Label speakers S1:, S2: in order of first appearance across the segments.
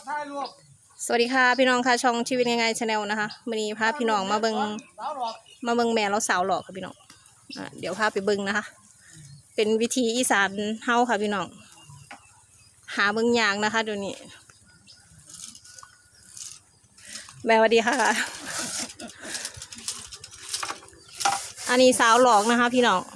S1: สวัสดีค่ะพี่น้องค่ะช่องชีวิตง่ายๆชาแนลนะคะวันนี้พาพี่น้องมาเบิงแม่เราสาวหลอกค่ะพี่น้องเดี๋ยวพาไปเบิงนะคะเป็นวิธีอีสานเฮาค่ะพี่น้องหาเบิงยางนะคะเดี๋ยวนี้แม่สวัสดีค่ะอันนี้สาวหลอกนะคะพี่น้อง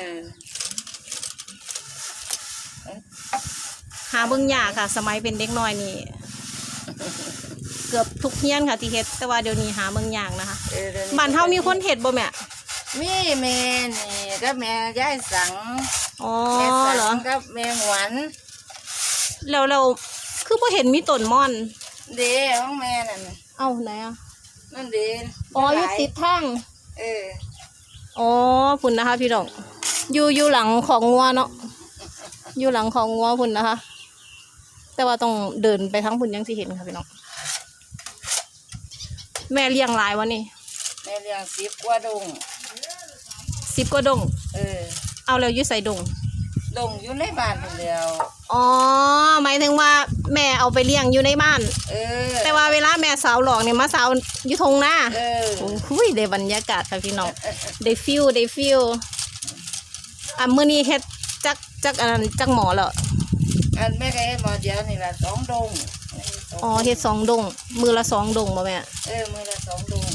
S1: หาเบิงยากค่ะสมัยเป็นเด็กน้อยนี่เกือบทุกเฮียนค่ะที่เฮ็ดแต่ว่าเดี๋ยวนี้หาเมืองยางนะคะบ้านเฮามีคนเฮ็ดบ่แม่
S2: มีแม่นี่ก็แม่ยายสัง
S1: อ๋อเหรอ
S2: ก็แม่หวาน
S1: แล้วคือบ่เห็นมีต้นม่อน
S2: เด้ของแม่นั่น
S1: เอ้าไหนอ่ะ
S2: นั่นเด้
S1: อ๋ออยู่ติดทางอ๋อพุ่นนะคะพี่น้องอยู่หลังของงัวเนาะอยู่หลังของงัวพุ่นนะคะแต่ว่าต้องเดินไปทั้งพุ่นยังสิเห็นค่ะพี่น้องแม่เลี้ยงหลายวะนี่
S2: แม่เลี้ยง10 กว่าดง
S1: 10 กว่าดงเอาแล้วอยู่ใส่ดง
S2: อยู่ในบ้านเดียว
S1: อ๋อหมายถึงว่าแม่เอาไปเลี้ยงอยู่ในบ้านแต่ว่าเวลาแม่สาวหลอกเนี่ยมาสาวอยู่ทงหน้าโอ้ยได้บรรยากาศค่ะพี่น้องได้ฟิลมื้อนี้เฮ็ดจักอันนั้นจักหมอแล้ว
S2: อันแม่ก็เฮ็ดหมอเดียวนี่ล่ะ2 ดง
S1: อ๋อเฮ็ด2 ดงมือละ2 ดงบ่แม่
S2: มือละ2 ดง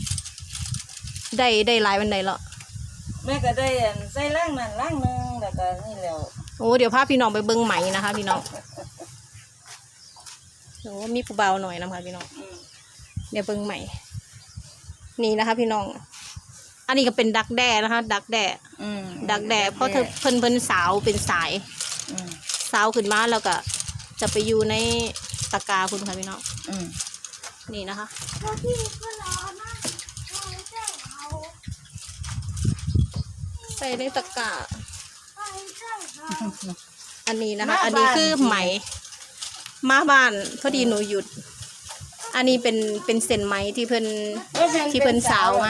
S1: ได้หลายวันใดแล้ว
S2: แม่ก็ได้ใส่ล่างนั่นล่างนึงแล้วก็นี่แล้ว
S1: โอ้เดี๋ยวพาพี่น้องไปเบิ่งไหมนะคะพี่น้องโอ้มีผู้เบาหน่อยนะคะพี่น้องเดี๋ยวเบิ่งไหมนี่นะคะพี่น้องอันนี้ก็เป็นดักแด้นะคะดักแด้เพราะเพิ่นสาวเป็นสายสาวขึ้นมาแล้วก็จะไปอยู่ในตะกาคุณค่ะพี่น้องนี่นะคะใส่ในตะกาอันนี้นะคะอันนี้คือไหมมาบ้านพอดีหนูหยุดอันนี้เป็นเส้นไหมที่เพิ่นสาวมา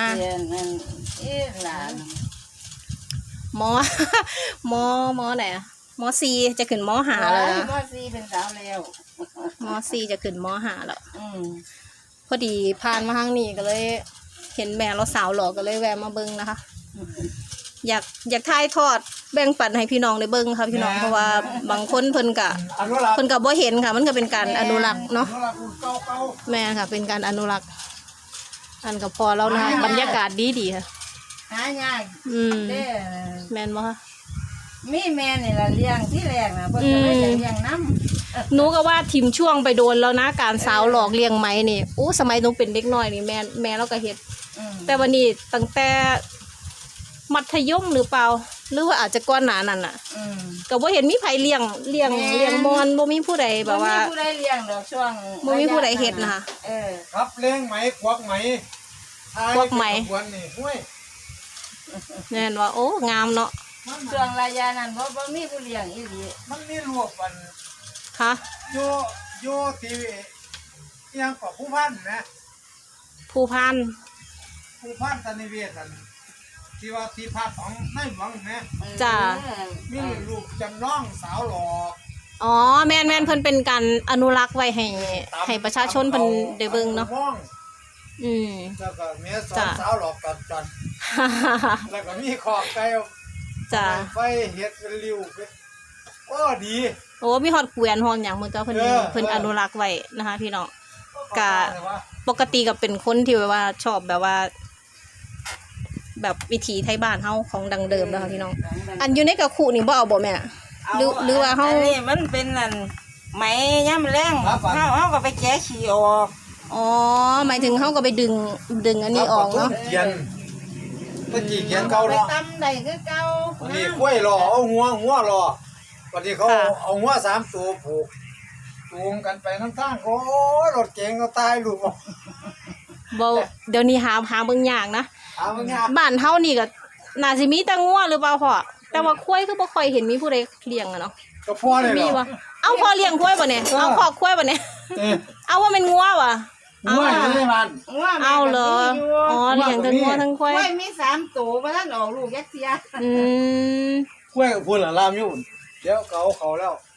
S1: หมอไหนอะม.4จะขึ้นม.5แล้วนะ
S2: ม.4เป็นสาวแล้ว
S1: ม.4จะขึ้นม.5แล้วพอดีผ่านมาทางนี้ก็เลยเห็นแม่เราสาวหล่อก็เลยแวะมาเบิ้งนะคะอยากถ่ายทอดแบ่งปันให้พี่น้องได้เบิ้งค่ะพี่น้องเพราะว่าบางคนเพิ่นกะบ่เห็นค่ะมันก็เป็นการอนุรักษ์เนาะแม่ค่ะเป็นการอนุรักษ์อันก็พอแล้วนะบรรยากาศดีค่ะ
S2: หายาก
S1: แม่นบ่คะ
S2: มีแม่นี่ละเลี้ยงที่แรกนะเพิ่นก็เลยจะเลี้ยงน้
S1: ำหนูก็ว่าทิมช่วงไปโดนแล้วนะการสาวหลอกเลี้ยงไหมนี่อู้สมัยหนูเป็นเด็กน้อยนี่แม่เราก็เฮ็ดแต่วันนี้ตั้งแต่มัธยมหรือเปล่าหรือว่าอาจจะก่อนหน้านั้นน่ะก็บ่เห็นมีไผเลี้ยงมอนบ่มีผู้ใดแบบว่า
S2: บ่มีผู้ใดเลี้ยงดอกช่วง
S1: บ่มีผู้ใดเฮ็ดนะคะ
S3: ครับเลี้ยงไหมควักไหม
S1: นี่ห้วยแน่นว่าโอ้งามเนาะ
S2: ช่วงระยะนั้นบ่มีผู้เลี้ยงอีหลี
S3: มันมีรวบกัน
S1: ค่ะ
S3: โยทียังกับผู้พันนะ
S1: ผู้พัน
S3: ตนิเวศกันที่ว่าที่พักของนายหลวงนะ
S1: จ้า
S3: มีลูกจำลองสาวหลอก
S1: อ๋อแม่นเพิ่นเป็นการอนุรักษ์ไว้ให้ประชาชนเพิ่นได้เบิ่งเนาะ
S3: แล้วก็เมียสาวหลอกกันแล้วก็มีขอบไก่
S1: จ้า
S3: ไฟเฮ็ดเป็นริ้วก็ดี
S1: โอ้มีฮอดเกวียนฮอดหยังมันก็เพิ่นอนุรักษ์ไว้นะคะพี่น้องก็ปกติก็เป็นคนที่แบบว่าชอบแบบว่าแบบวิถีไทยบ้านเฮาของดังเดิมนะคะพี่น้องอันอยู่ในกระคุนี่บ่เอาบ่แม่หรือว่าเฮา
S2: นี่มันเป็นนั่นไหมย่ำแรงเฮาก็ไปแกะขี้ออก
S1: อ๋อหมายถึงเฮาก็ไปดึงอันนี้ออกเนาะ
S3: เขียนเก่าเนาะ
S2: ไปตำได้คือเก่า
S3: นี่กล้วยรอเอาหัวรอวันนี้เขาเอาหัว3 ตัวผูกจูงกันไปข้างๆโอ้รถเก๋งก็ตายลูก
S1: บ่เดี๋ยวนี้หาเบิ่งยากนะบ้านเฮานี่ก็น่าสิมีแต่งัวหรือเปล่าพ่อแต่ว่าควายคือบ่ค่อยเห็นมีผู้ใดเลี้ยงอ่ะเนาะ
S3: ก็พ่อเลย
S1: มีบ่เอาพ่อเลี้ยงควายบ่เนี่ยเอาคอกควายบ่เนี่ยเอาว่าเป็นงัวว่ะ
S3: งัวอยู่ในบ้าน
S1: เอาเหรออ๋อเลี้ยงทั้งงัวทั้งควาย
S2: มี3 ตัวบ่ทันออกลูกยักเสีย
S3: กล้วยกับพุ่นล่ะลามอยู่เดี๋ยวเขาแล้ว
S1: อ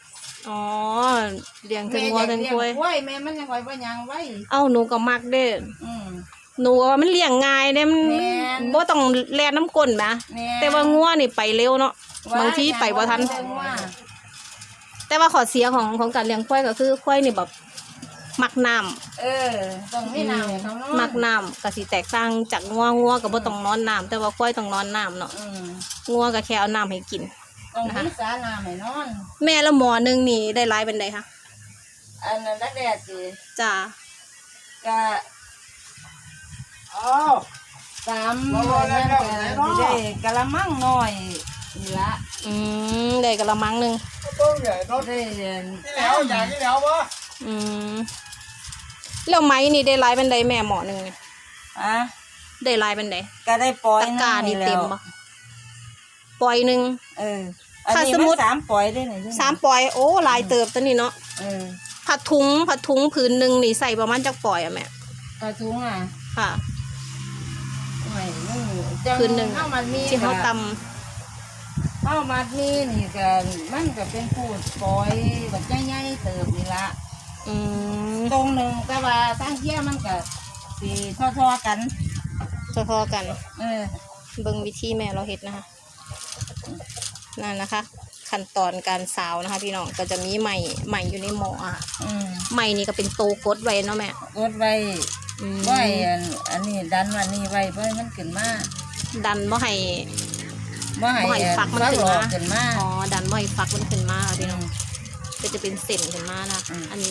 S1: อ๋อเลี้ยงถึงวัวถึงกล้วย
S2: กล้วยแม่มันยังไว้บ่ยังไว้
S1: เอ้าหนูก็มักเด้
S2: อืม
S1: หนูว่ามันเลี้ยงง่ายเด้มัน
S2: แม่น
S1: บ่ต้องแล่นน้ำก้นนะ
S2: แม่
S1: แต่ว่างัวนี่ไปเร็วเนาะบางทีไปบ่ทัน แต่ว่าข้อเสียของการเลี้ยงควายก็คือควายนี่แบบมักน้ำ
S2: เออต้องมีน้ำให้เขานอน
S1: มักน้ำก็สิแตกต่างจากงัวก็บ่ต้องนอนน้ำแต่ว่าควายต้องนอนน้ำเนาะ
S2: อืม
S1: งัวก็แค่เอาน้ำให้กิน
S2: ต้องมีสาน้ำให้นอน
S1: แม่ละหมอหนึงนี่ได้หลายเป็นไดคะ
S2: อันนั้นแรกๆสิ
S1: จ้า
S2: ก็
S3: อ้าว
S2: 3นั่นก็สิได้กะละมังน้อยนี่ละ
S1: ได้กะละมังหนึง
S3: ต้องใหญ่เนาะ
S2: ได้
S3: ที่แล้วอย่างที่แล้ววะ
S1: อืมแล้วไหมนี่ได้หลายเป็นไดแม่หมอหนึงนี่
S2: อ่ะ
S1: ได้หลายเป็นได
S2: ก็ได้ปล่อย
S1: ตะกร้านี่
S2: แล้
S1: เต็ม
S2: ว
S1: บ่ปล่อยหนึง
S2: เอออัน
S1: ถ้า
S2: นี้
S1: สมมุ
S2: มั
S1: ติ
S2: น3ปล่อยได้ไหน
S1: 3ปล่อยโอ้หลายเติบตัวนี้เนาะ
S2: เออ
S1: ผัดถุงผืนหนึงนี่ใส่ประมาณจักปล่อยอะแม่
S2: กระทุงอ่ะ
S1: ค่ะ
S2: ไม่มันจัง
S1: คืนหนึ่ง
S2: ข้าวมันมี
S1: ที่เขาต
S2: ข้าวมันมีนี่ก็มันก็เป็นพูดปล่อยแบบใหญ่ๆเติบนี่ละ
S1: ำ
S2: ตรงหนึ่งแต่ว่าตั้งเที่ยมันก็สีทอๆกัน
S1: พอๆกัน
S2: เออ
S1: เบิ่งวิธีแม่เราเฮ็ดนะคะนั่นนะคะ ขั้นตอนการสาวนะคะ พี่น้องก็จะมีไหมอยู่ในหม้ออ่ะ
S2: อืม
S1: ไหมนี่ก็เป็นโตกดไว้เนาะแม่
S2: กดไว้
S1: อืม
S2: ไว้อันนี้ดันวันนี้ไว้เพื่อให้มันขึ้นมา
S1: ดันบ่ให้
S2: บ่ให้
S1: บ่ให้ฟักมันขึ้น
S2: หล
S1: มา
S2: อกขึ้นมา
S1: อ๋อดันบ่ให้ฟักมันขึ้นมาค่ะ
S2: อื
S1: พี่น้อง
S2: ม
S1: ก็จะเป็นเส้นขึ้นมานะ
S2: อืม
S1: อัน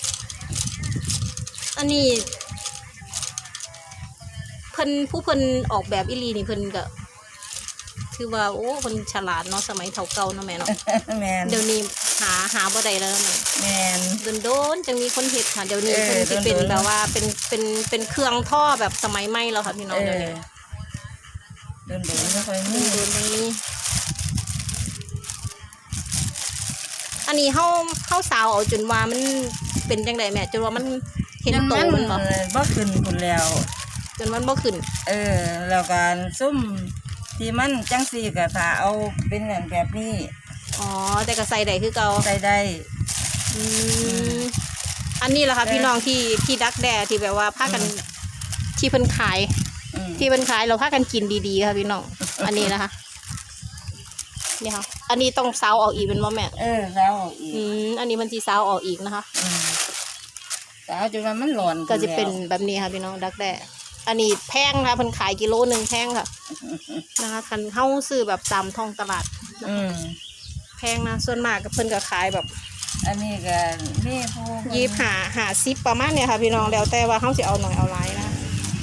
S1: นี้เพิ่นออกแบบอีหลีนี่เพิ่นก็คือว่าโอ้เพิ่นฉลาดเนาะสมัยเฒ่าเก่าเนาะแม่เนาะ
S2: แมน
S1: เดี๋ยวนี้หาบ่ได้แล้วนะ
S2: แมน
S1: โดนจังมีคนเฮ็ดค่ะเดี๋ยวนี้
S2: เออ
S1: เพิ่นสิเป็น
S2: โดนๆ
S1: แบบว่าเป็นเครื่องท่อแบบสมัยใหม่แล้วค่ะพี่น้อง
S2: เอ
S1: เดี๋ยว
S2: อ
S1: นี้
S2: เดินไม่ค่อยมี
S1: โดนจังนี้อันนี้เฮาสาวเอาจนว่ามันเป็นจังไดแม่จนว่ามันเห็นโตมันบ่
S2: บ่ขึ้นพุ่นแล้ว
S1: จนมันบ่ขึ้น
S2: เออ แล้วการซุ่มที่มันจังสี่ก็ถ้าเอาเป็นแบบนี้
S1: อ๋อแต่ก็ใส่ได้คือเก่า
S2: ใส่ได้
S1: อืมอันนี้แหละค่ะพี่น้องที่ดักแด้ที่แบบว่าพากันที่เพิ่นขาย
S2: อืม
S1: ที่เพิ่นขายเราพากันกินดีๆค่ะพี่น้อง อันนี้นะคะนี่ค่ะ อันนี้ต้องซาวออกอีกเป็นบ่แม่
S2: เออแล้วเอาอีก
S1: อันนี้มันจีซาวออกอีกนะคะ
S2: อืมแต่เอาจนว่ามันหลอน
S1: ก็จะเป็นแบบนี้ค่ะพี่น้องดักแด้อันนี้แพงค่ะเพิ่นขายกิโลหนึ่งแพงค่ะนะคะคันเฮาซื้อแบบตามท้องตลาด
S2: อืม
S1: แพงนะส่วนมากก็เพิ่นก็ขายแบบ
S2: อันนี้ก็มีผู้
S1: 25 50ประมาณเนี่ยค่ะพี่น้องแล้วแต่ว่าเฮาสิเอาหน่อยเอาหลายนะ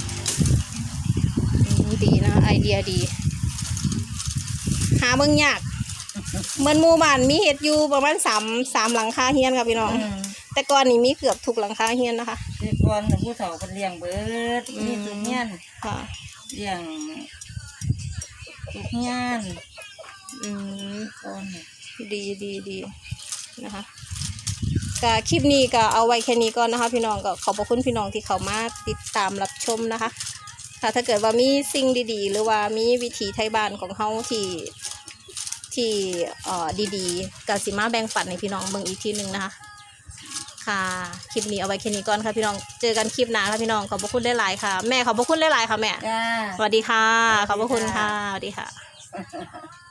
S1: ดีนะไอเดียดี หาเบิ่งยากเหมือนหมู่บ้านมีเฮ็ดอยู่ประมาณ3หลังคาเฮียนค่ะพี่น้อง
S2: อืม
S1: แต่ก่อนนี้มีเกือบทุกหลังคาเฮียนนะคะ
S2: ที่ก่อนผู้เฒ่าเพิ่นเลี้ยงเบิดมีทุกเงี้ยน
S1: ค่ะ
S2: เลี้ยงทุกเงี้ยน
S1: อืม
S2: ก่อน
S1: ดีนะคะก็คลิปนี้ก็เอาไว้แค่นี้ก่อนนะคะ พี่น้องก็ขอบพระคุณพี่น้องที่เข้ามาติดตามรับชมนะคะค่ะถ้าเกิดว่ามีสิ่งดีๆ หรือว่ามีวิถีไทยบ้านของเฮาที่ดีๆก็สิมาแบ่งปันให้พี่น้องเบิ่งอีกทีหนึงนะคะค่ะคลิปนี้เอาไว้แค่นี้ก่อนค่ะพี่น้องเจอกันคลิปหน้าค่ะพี่น้องขอบพระคุณหลายๆค่ะแม่ขอบพระคุณหลายๆค่ะแม่
S2: จ้า
S1: สวัสดีค่ะขอบพระคุณค่ะสวัสดีค่ะ
S2: ส